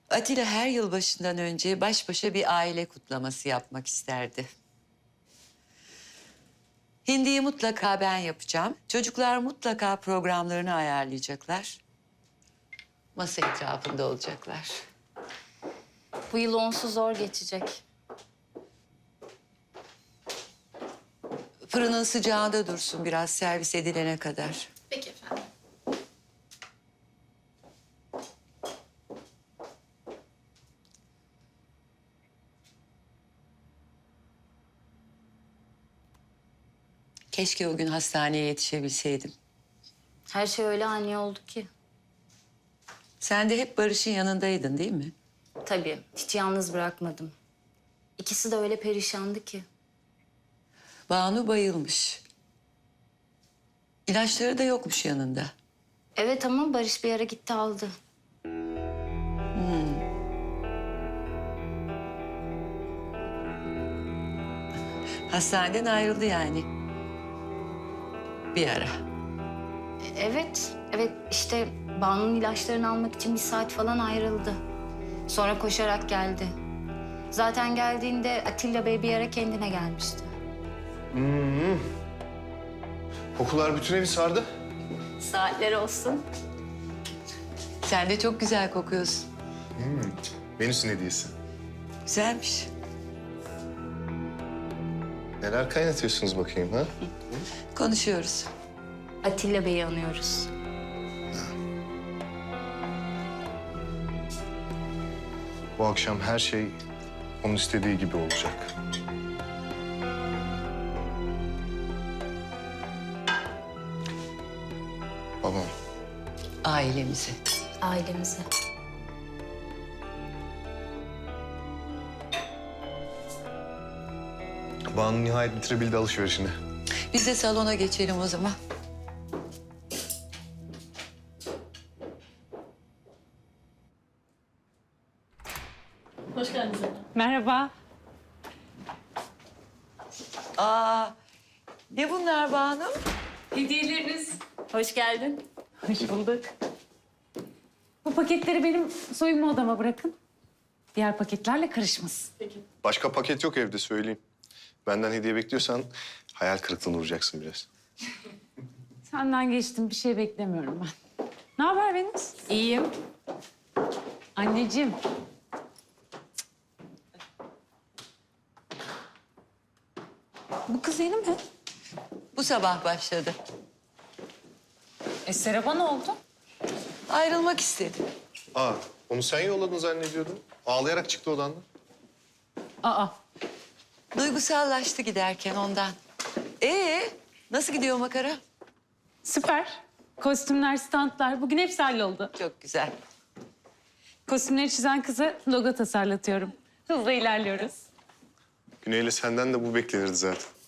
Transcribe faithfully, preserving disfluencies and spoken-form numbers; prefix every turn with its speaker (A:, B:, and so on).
A: Atilla her yılbaşından önce baş başa bir aile kutlaması yapmak isterdi. Hindiyi mutlaka ben yapacağım. Çocuklar mutlaka programlarını ayarlayacaklar. Masa etrafında olacaklar.
B: Bu yıl onsuz zor geçecek.
A: Fırının sıcağında dursun biraz servis edilene kadar.
B: Peki efendim.
A: Keşke o gün hastaneye yetişebilseydim.
B: Her şey öyle ani oldu ki.
A: Sen de hep Barış'ın yanındaydın değil mi?
B: Tabii, hiç yalnız bırakmadım. İkisi de öyle perişandı ki.
A: Banu bayılmış. İlaçları da yokmuş yanında.
B: Evet ama Barış bir ara gitti aldı.
A: Hastaneden ayrıldı yani. Bir ara.
B: E, Evet, evet işte Banu'nun ilaçlarını almak için bir saat falan ayrıldı. Sonra koşarak geldi. Zaten geldiğinde Atilla Bey bir ara kendine gelmişti.
C: Kokular bütün evi sardı.
B: Saatler olsun.
A: Sen de çok güzel kokuyorsun.
C: Venüs'ün hediyesi.
A: Güzelmiş.
C: Neler kaynatıyorsunuz bakayım ha?
A: Konuşuyoruz.
B: Atilla Bey'i anıyoruz.
C: Bu akşam her şey onun istediği gibi olacak. Babam,
A: Ailemizi.
B: Ailemize.
C: Banu nihayet bitirebildi alışverişini.
A: Biz de salona geçelim o zaman.
D: Hoş geldiniz efendim.
E: Merhaba.
A: Aa, ne bunlar Banu?
E: Hediyeleriniz.
B: Hoş geldin.
E: Hoş bulduk. Bu paketleri benim soyunma odama bırakın. Diğer paketlerle karışmasın.
C: Başka paket yok evde söyleyeyim. Benden hediye bekliyorsan hayal kırıklığına uğrayacaksın biraz.
E: Senden geçtim, bir şey beklemiyorum ben. Ne haber Venüs?
B: İyiyim.
E: Anneciğim. Bu kız yeni mi?
A: Bu sabah başladı.
E: E Serap'a ne oldu?
A: Ayrılmak istedi.
C: Aa, onu sen yolladın zannediyordum. Ağlayarak çıktı odandan.
E: Aa,
A: Duygusallaştı giderken ondan. Ee, nasıl gidiyor makara?
E: süper. Kostümler, standlar, bugün hepsi halloldu.
A: Çok güzel.
E: Kostümleri çizen kıza logo tasarlatıyorum. Hızla ilerliyoruz.
C: Güney'le senden de bu beklenirdi zaten.